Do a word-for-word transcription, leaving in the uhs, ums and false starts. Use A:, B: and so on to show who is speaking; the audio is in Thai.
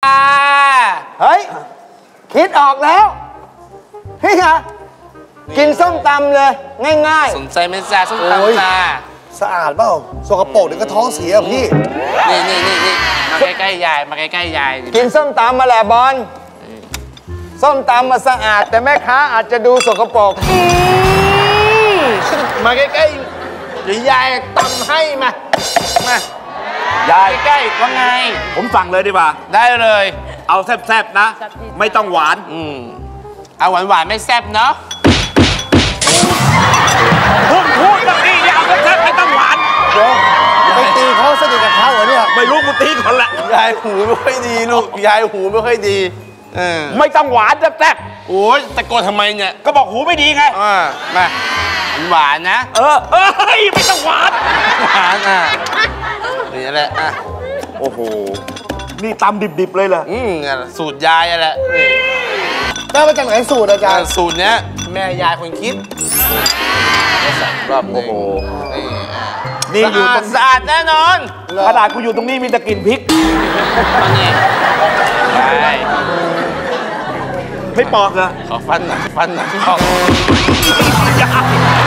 A: เฮ้ยคิดออกแล้วพี่คะกินส้มตำเลยง่าย
B: ๆสนใจไหมจ้าส้มตำจ้า
C: สะอาดเปล่าสกปรกเดี๋ยวก็ท้องเสียพี่
B: นี่นี่นี่นี่มาใกล้ๆยายมาใกล้ๆยาย
A: กินส้มตำมาแหละบอลส้มตำมาสะอาดแต่แม่ค้าอาจจะดูสกปรก
B: มาใกล้ๆหรือยายตำให้มามายายใกล้ๆว่าไง
D: ผมสั่งเลยดีกว่า
B: ได้เลย
D: เอาแซ่บๆนะไม่ต้องหวาน
B: อืมเอาหวานๆไม่แซ่บเนาะ
D: พูดพูดแบบนี้อย่าเอาแซ่บๆไม่ต้องหวาน
C: ไปตีเขาสนิทกับเขาเหรอเนี่ย
D: ไม่รู้กูตีคนละ
B: ยายหูไม่ค่อยดีลูกยายหูไม่ค่อยดีเออ
D: ไม่ต้องหวานแซ่บ
B: ๆโอ้ยตะโกนทำไมเนี่ย
D: ก็บอกหูไม่ดีไง
B: อ่ามาหวานนะ
D: เออเอ้ยไม่ต้องหวาน
B: หวานอ่ะนี่แหละอ่ะ
D: โอ้โหนี่ตำดิบๆเลยเหรอ
B: อืมสูตรยายอะไร
C: ได้มาจากไหนสูตรอาจารย์
B: สูตรเนี้ยแม่ยายคนคิดรอบโอ้โห
D: นี่อยู่ตรง
B: สะอาดแน่นอน
D: ขนาดกูอยู่ตรงนี้มีแต่กลิ่นพริก
B: นี่ใช่
D: ไม่ปอกเหรอ
B: ขอฟันหน่อยฟันหน่อย